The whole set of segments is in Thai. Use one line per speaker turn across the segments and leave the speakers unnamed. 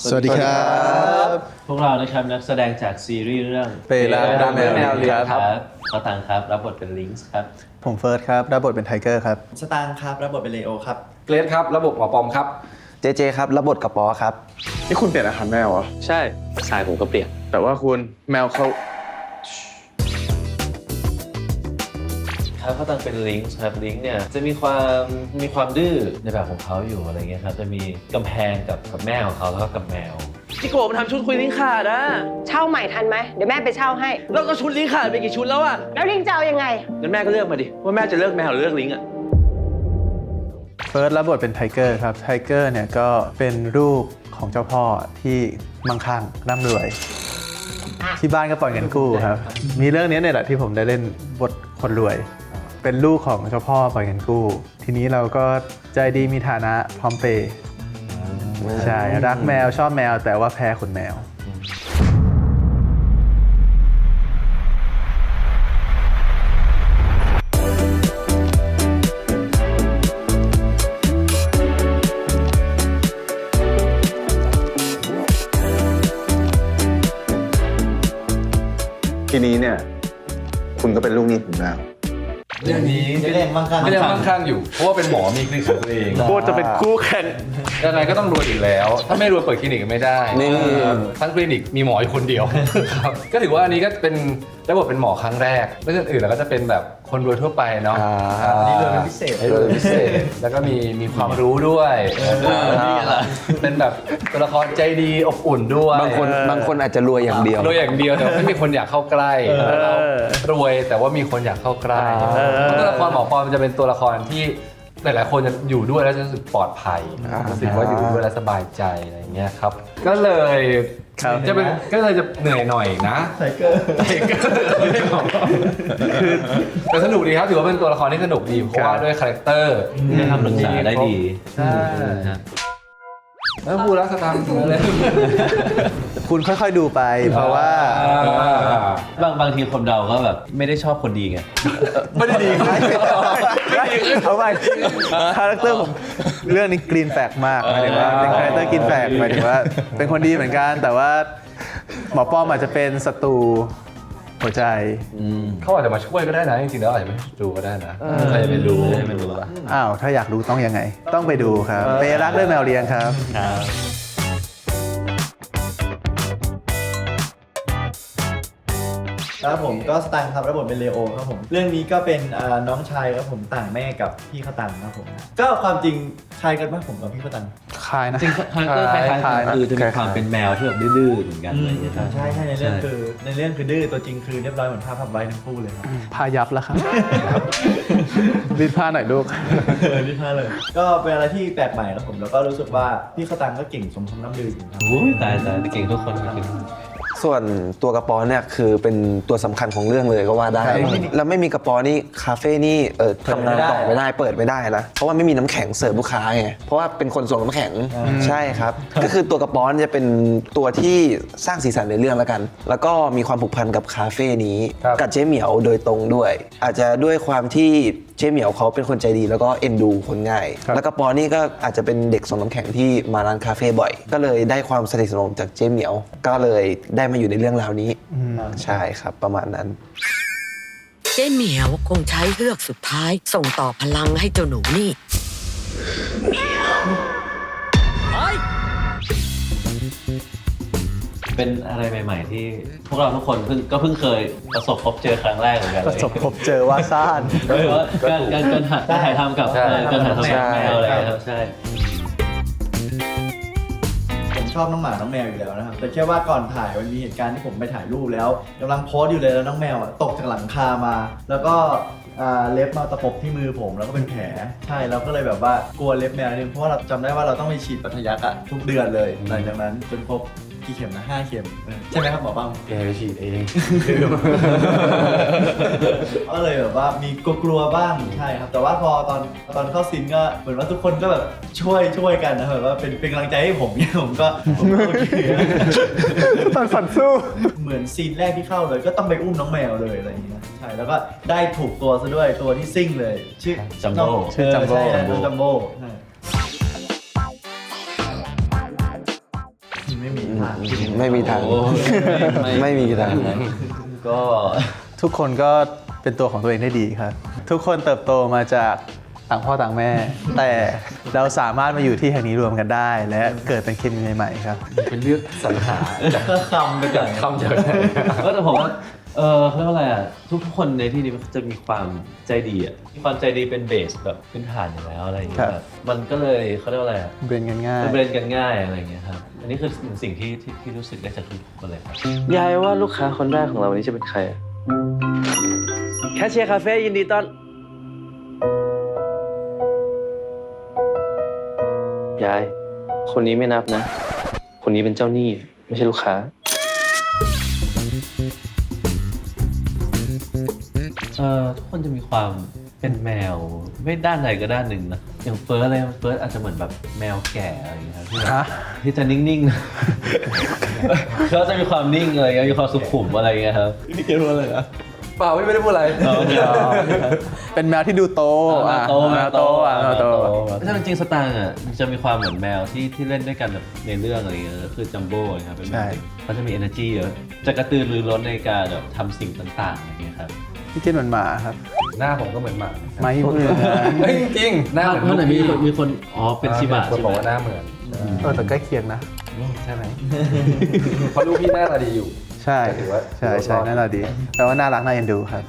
สวัสดีครับ
พวกเรานะครับนักแสดงจากซีรีส์เรื่อง
เปรักดักแมวเลียครับ
ข้าวตังครับรับบทเป็นลิงส์ครับ
ผมเฟิร์สครับรับบทเป็นไทเกอร์ครับ
สตางค์ครับรับบทเป็นเลโอครับ
เกรซครับระบบหมอปอมครับ
เจครับรับบทกับปอครับ
นี่คุณเปลี่ยนอาหารแมวเหรอ
ใช่สายผมก็เปลี่ยน
แต่ว่าคุณแมวเขา
ครับข้าวตังเป็นลิงส์ครับลิงส์เนี่ยจะมีความดื้อในแบบของเขาอยู่อะไรเงี้ยครับจะมีกำแพงกับแม่ของเขาแล้วก็กับแมว
พี่โกมันทำชุดคุยลิงขาดอะ
เช่าใหม่ทันไหมเดี๋ยวแม่ไปเช่าให้
แล้วก็ชุดลิงขาดไปกี่ชุดแล้วอะ
แล้วลิงจะเอายังไง
งั้นแม่ก็เลือกมาดิว่าแม่จะเลือกแมวหรือเลือกลิงอะ
เฟิร์สรับบทเป็นไทเกอร์ครับไทเกอร์เนี่ยก็เป็นลูกของเจ้าพ่อที่มั่งคั่งร่ำรวยที่บ้านก็ปล่อยเงินกู้ครับมีเรื่องนี้เนี่ยแหละที่ผมได้เล่นบทคนรวยเป็นลูกของเจ้าพ่อปล่อยเงินกู้ทีนี้เราก็ใจดีมีฐานะพร้อมเปย์ใช่รักแมวชอบแมวแต่ว่าแพ้ขนแมว
ทีนี้เนี่ยคุณก็เป็นลูกหนี้ผมแล้ว
เรื่องนี้ไม่ได้มั่งคั่งอยู่เพราะว่าเป็นหมอมีคลินิกของตัวเอง
โคตรจะเป็นคู่แข่ง
ยังไงก็ต้องรวยอีกแล้วถ้าไม่รวยเปิดคลินิกไม่ได้ทั้งคลินิกมีหมออยู่คนเดียวครับก็ถือว่าอันนี้ก็เป็นได้บทเป็นหมอครั้งแรกเรื่องอื่นแล้วก็จะเป็นแบบคนรวยทั่วไปเนาะ
นี่รวยเป็นพิเศษ
แล้วก็มีความรู้ด้วยเป็นแบบตัวละครใจดีอบอุ่นด้วย
บางคนอาจจะรวยอย่างเดียว
รวยอย่างเดียวแต่ไม่มีคนอยากเข้าใกล้เรารวยแต่ว่ามีคนอยากเข้าใกล้ตัวละครหมอปอมันจะเป็นตัวละครที่หลายๆคนจะอยู่ด้วยแล้วจะรู้สึกปลอดภัยรู้สึกว่าอยู่ด้วยแล้วสบายใจอะไรอย่างเงี้ยครับก็เลยจะเหนื่อยหน่อยนะ
ไทเกอร์
แต่สนุกดีครับถือว่าเป็นตัวละครที่สนุกดีเพราะว่าด้วยคาแรคเตอร์
ให้คำปรึกษาได้ดี
ใช่แล้วพูดแล้วสตางค์เลย
คุณค่อยๆดูไปเพราะว่า
บางทีคนเราก็แบบไม่ได้ชอบคนดีไง
ไม่ได้ดี
เอาไปคาแรคเตอร์ผมเรื่องนี้กรีนแฟกมากหมายถึงว่าเป็นคาแรคเตอร์กรีนแฟกหมายถึงว่าเป็นคนดีเหมือนกันแต่ว่าหมอป้อมอาจจะเป็นศัตรูหัวใจ
เขาอาจจะมาช่วยก็ได้นะจริงๆแล้วอาจจะไม่ดูก็ได้นะใครจะไปรู้
อ้าวถ้าอยากรู้ต้องยังไงต้องไปดูครับเปรักด้วยแมวเลี้ยงครับ
ครับผมก็สตางค์ครับรับบทเป็นเลโอครับผมเรื่องนี้ก็เป็นน้องชายครับผมต่างแม่กับพี่ข้าวตังครับผมก็ความจริงคล้ายกันมากผมกับพี่ข้าวตัง
คล้ายนะ
จริงคาแรคเตอร์คล้ายๆคือจะมีความเป็นแมวที่แบบดื้อๆเหมือนกันอะไรอย่างเงี้ย
ใช่ในเรื่องคือดื้อตัวจริงคือเรียบร้อยเหมือนภาพไว้ทั้งคู่เลยครับ
พายับแล้วครับรีดผ้าหน่อยลูก
รีดผ้าเลยก็เป็นอะไรที่แปลกใหม่ครับผมแล้วก็รู้สึกว่าพี่ข้าวตังก็เก่งสมคำล่ำลือครับ
โอ้ยตายเก่งทุกคนจริง
ส่วนตัวกระป๋อเนี่ยคือเป็นตัวสำคัญของเรื่องเลยก็ว่าได้แล้วไม่มีกระป๋อนี่คาเฟ่นี่ทำงานต่อไม่ได้เปิดไม่ได้นะเพราะว่าไม่มีน้ำแข็งเสิร์ฟลูกค้าไงเพราะว่าเป็นคนส่งน้ำแข็งใช่ครับก็คือตัวกระป๋อจะเป็นตัวที่สร้างสีสันในเรื่องแล้วกันแล้วก็มีความผูกพันกับคาเฟ่นี้กับเจ๊เหมียวโดยตรงด้วยอาจจะด้วยความที่เจ๊เหมียวเขาเป็นคนใจดีแล้วก็เอ็นดูคนง่ายแล้วก็ปอนี่ก็อาจจะเป็นเด็กส่งน้ำแข็งที่มาร้านคาเฟ่บ่อยก็เลยได้ความสนิทสนมจากเจ๊เหมียวก็เลยได้มาอยู่ในเรื่องราวนี้ใช่ครับประมาณนั้น
เจ๊เหมียวคงใช้เฮือกสุดท้ายส่งต่อพลังให้เจ้าหนูนี่
เป็นอะไรใหม่ๆที่พวกเราทุกคนเพิ่งเคยประสบพบเจอครั้งแรกเหมือนกัน
ประสบพบเจอว่าซ่าน
การถ่ายทำกับการถ่ายทำกับแมวอะไรครับใช่
ผมชอบน้องหมาน้องแมวอยู่แล้วนะครับแต่แค่ว่าก่อนถ่ายมันมีเหตุการณ์ที่ผมไปถ่ายรูปแล้วกำลังโพสอยู่เลยแล้วน้องแมวตกจากหลังคามาแล้วก็เล็บมาตะปบที่มือผมแล้วก็เป็นแผลใช่แล้วก็เลยแบบว่ากลัวเล็บแมวนิดนึงเพราะว่าเราจำได้ว่าเราต้องไปฉีดปัทยักทุกเดือนเลยหลังจากนั้นจนครบกี่เข็มนะ5 เข็มใช่ไหมครับหมอป้อม
ไปฉีดเอง
ก็เลยแบบว่ามีกลัวบ้างใช่ครับแต่ว่าพอตอนเข้าซีนก็เหมือนว่าทุกคนก็แบบช่วยกันนะแบบว่าเป็นกำลังใจให้ผมเนี่ยผมก็โอเค
ฝันสู้
เหมือนซีนแรกที่เข้าเลยก็ต้องไปอุ้มน้องแมวเลยอะไรอย่างเงี้ยใช่แล้วก็ได้ถูกตัวซะด้วยตัวที่ซิ่งเลยชื่อ
จัมโบ้
จัมโบ้ใช่
ไม่
ทาง
ไม่มีทาง
โอ้
ไม่มีทาง
ก็
ทุกคนก็เป็นตัวของตัวเองได้ดีครับ ทุกคนเติบโตมาจากต่างพ่อต่างแม่ แต่เราสามารถมาอยู่ที่แห่งนี้รวมกันได้ และเกิดเป็นเคมีใหม่ๆครับ
เป็นเรื่องสรรหาจาก
ก็คำไปก่อน
คำจากไหน
ก็แต่ผมว่าเขาเรียกว่าอะไรอ่ะทุกคนในที่นี้มันจะมีความใจดีอ่ะมีความใจดีเป็นเบสแบบพื้นฐานอยู่แล้วอะไรอย่างเงี้
ครั
ย
บ
แบบมันก็เลยเขาเรียกว่าอะไรอ่ะ
เบรนกันง่าย
มันเบรนกันง่ายอะไรอย่างเงี้ยครับอันนี้คือสิ่งที่รู้สึกได้จากทุกคนเลยครับ
ยายว่าลูกค้าคนแรกของเราวันนี้จะเป็นใครอะแคชเชียร์คาเฟ่ยินดีต้อนยาย คนนี้ไม่นับนะ คนนี้เป็นเจ้าหนี้ไม่ใช่ลูกค้า
ทุกคนจะมีความเป็นแมวไม่ด้านใดก็ด้านหนึ่งนะอย่างเฟิร์สอาจจะเหมือนแบบแมวแก่อะไรอย่างเงี้ยครับที่แบบ
ฮะ
ที่จะนิ่งๆนะ เขาจะมีความนิ่งอะไรเงี้ยมีความสุขุมอะไรเงี้ยครับนี่เกมว่าอะไรนะ
เปล่าไม่ได้พูดอะไร
เป็นแมวที่ดูโตอ่ะแมวโตอ่ะแมวโต
ถ้าจริงๆสตางค์อ่ะจะมีความเหมือนแมวที่เล่นด้วยกันแบบในเรื่องอะไรเงี้ยคือจัมโบ้นะครับเป็นแมวเด็กเขาจะมี energy เยอะจะกระตือรือร้นในการแบบทำสิ่งต่างๆอย่างเงี้ยครับ
พี่กินเหมือนหมาครับ
หน้าผมก็เหมือนหมา
ไม่เหมือน
เฮ้ยจริงๆหน้าเหมือน
เมื่อไหร่
ลูกพี่
มีคนอ๋อเป็นชิบะ
คน
ใช่
บอก
ไหม
ว่าหน้าเหมือน
แต่ใกล้เคียงนะ
ใช่ไหมเพราะลูกพี่หน้าตาดีอยู่
ใช่
ถือว่า
ใช่ใช่น่ารักดีแปลว่าน่ารักน่าเอ็นดูครับ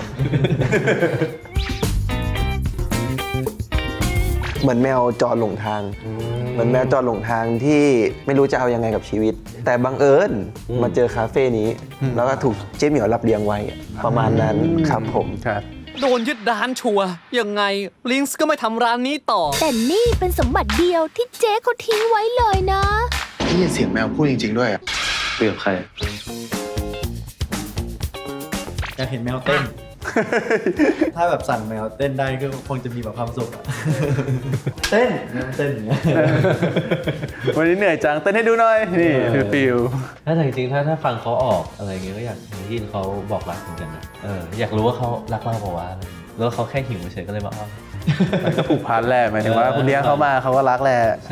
เหมือนแมวจอดหลงทาง เหมือนแมวจอดหลงทางที่ไม่รู้จะเอายังไงกับชีวิต แต่บังเอิญมาเจอคาเฟ่นี้ แล้วก็ถูกเจ๊เหมียวรับเลี้ยงไว้ประมาณนั้นครับผม
ครับ
โดนยึดร้านชัวร์ยังไงลิงส์ก็ไม่ทำร้านนี้ต่อ
แต่นี่เป็นสมบัติเดียวที่เจ๊เขาทิ้งไว้เลยนะ
ได้ยินเสียงแมวพูดจริง ๆ ด้วยอ่ะ
คุยกับใคร
อยากเห็นแมวเต้น ถ้าแบบสั่งแมวเต้นได้ก็คงจะมีแบบความสุขอะ เต้นแมวเต้นอย่างเงี้ย
วันนี้เหนื่อยจังเต้นให้ดูหน่อย นี่ฟิล
ถ้าจริงๆถ้าฟังเขาออกอะไรเงี้ยก็อยากยินเขาบอกรักเหมือนกันนะอยากรู้ว่าเขารักเราเปล่าวะอะไรอย่างเงี้ยแล้วเขาแค่หิวเฉยก็เลยมาอ้อน
มันก็ผูกพันแหละหมายถึงว่าคุณเลี้ยงเขามาเขาก็รักแหละ
ใช่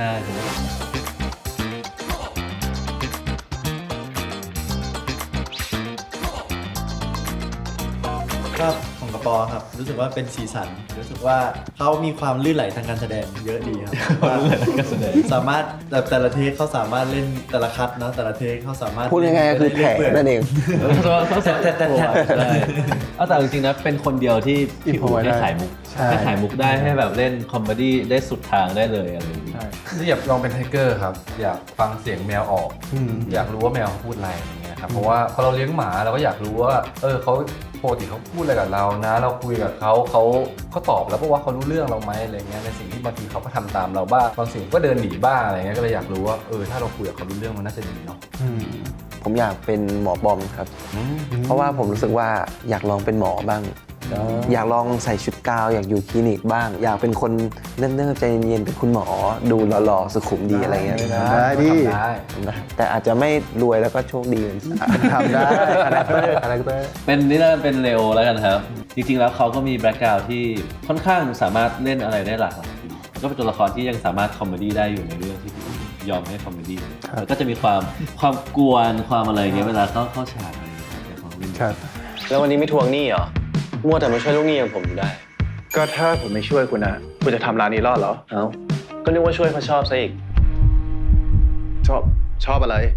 ก็ของกระปอครับ รู้สึกว่าเป็นสีสัน รู้สึกว่าเขามีความลื่นไหลทางการแสดงเยอะดีครับว่าสามารถแต่ละเทคเขาสามารถเล่นแต่ละคัดเนาะแต่ละเทคเขาสามารถ
พูดง่ายๆก็คือแผลนั่นเอง
เขาแทบแต่จริงๆนะเป็นคนเดียวที่พี่อู๋ได้ขายมุกได้ขายมุกได้ให้แบบเล่นคอมเมดี้ได้สุดทางได้เลยอะไรอย่างเงี้ย
ที่อยากลองเป็นไทเกอร์ครับ อยากฟังเสียงแมวออก อยากรู้ว่าแมวเขาพูดอะไรอย่างเงี้ยครับเพราะว่าพอเราเลี้ยงหมาเราก็อยากรู้ว่าเขาปกติเขาพูดอะไรกับเรานะ เราคุยกับเขาตอบแล้วเพราะว่าเขารู้เรื่องเราไหมอะไรเงี้ยในสิ่งที่บางทีเขาก็ทำตามเราบ้างบางสิ่งก็เดินหนีบ้างอะไรเงี้ยก็เลยอยากรู้ว่าถ้าเราคุยกับเขารู้เรื่องมันน่าจะดีเนาะ
ผมอยากเป็นหมอบอมครับ เพราะว่าผมรู้สึกว่าอยากลองเป็นหมอบ้าง อยากลองใส่ชุดกาวอยากอยู่คลินิกบ้าง อยากเป็นคนเนิ่มๆใจเย็นๆเป็นคุณหมอดูหล่อๆสุขุมดีอะไรเงี้ย
ได้ดิ
นะครับแต่อาจจะไม่รวยแล้วก็โชคดีเหมือนกัน
ทำได้คาแรคเตอร์
เป็นนี่แล้วเป็นเร็วแล้วกันครับ จริงๆแล้วเขาก็มีแบ็คกราวด์ที่ค่อนข้างสามารถเล่นอะไรได้หลากหลายก็เป็นตัวละครที่ยังสามารถคอมเมดี้ได้อยู่ในเรื่องที่ยอมให้คอมเมดี้แล้วก็จะมีความกวนความอะไรเงี้ยเวลาเข้าฉากอะไรเงี้ยของเล่น
ครับ
แล้ววันนี้ไม่ทวงหนี้เหรอ มัวแต่มาช่วยลูกหนี้อย่างผมอยู่ได้
ก็ถ้าผมไม่ช่วยคุณนะคุณจะทำร้านนี้รอดเหรอ
เอ้า ก็นึกว่าช่วยเพราะชอบซะอีก
ชอบอะไร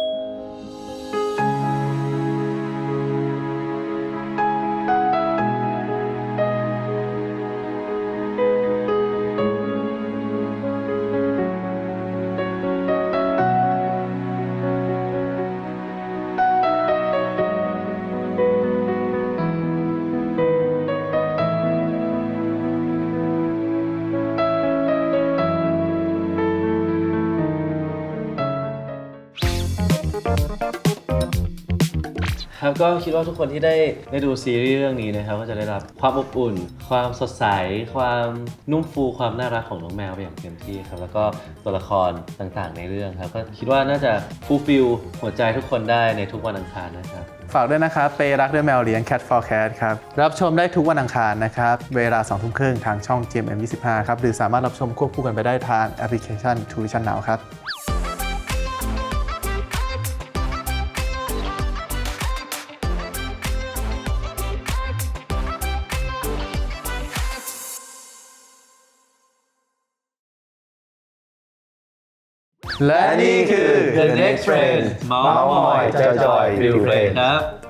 ครับก็คิดว่าทุกคนที่ได้ดูซีรีส์เรื่องนี้นะครับก็จะได้รับความอบอุ่น ความสดใสความนุ่มฟูความน่ารักของน้องแมวไปอย่างเต็มที่ครับแล้วก็ตัวละครต่างๆในเรื่องครับก็คิดว่าน่าจะฟูลฟิลหัวใจทุกคนได้ในทุกวันอังคารนะครับ
ฝากด้วยนะครับเปรักด้วยแมวเลี้ยง Cat for Cat ครับรับชมได้ทุกวันอังคารนะครับเวลา 20:30 นทางช่อง GMM25 ครับหรือสามารถรับชมควบคู่กันไปได้ทางแอปพลิเคชัน True Vision Now ครับและนี่คือ
The Next Friend เมาส์มอยจอยๆฟิลเพลย์ครับ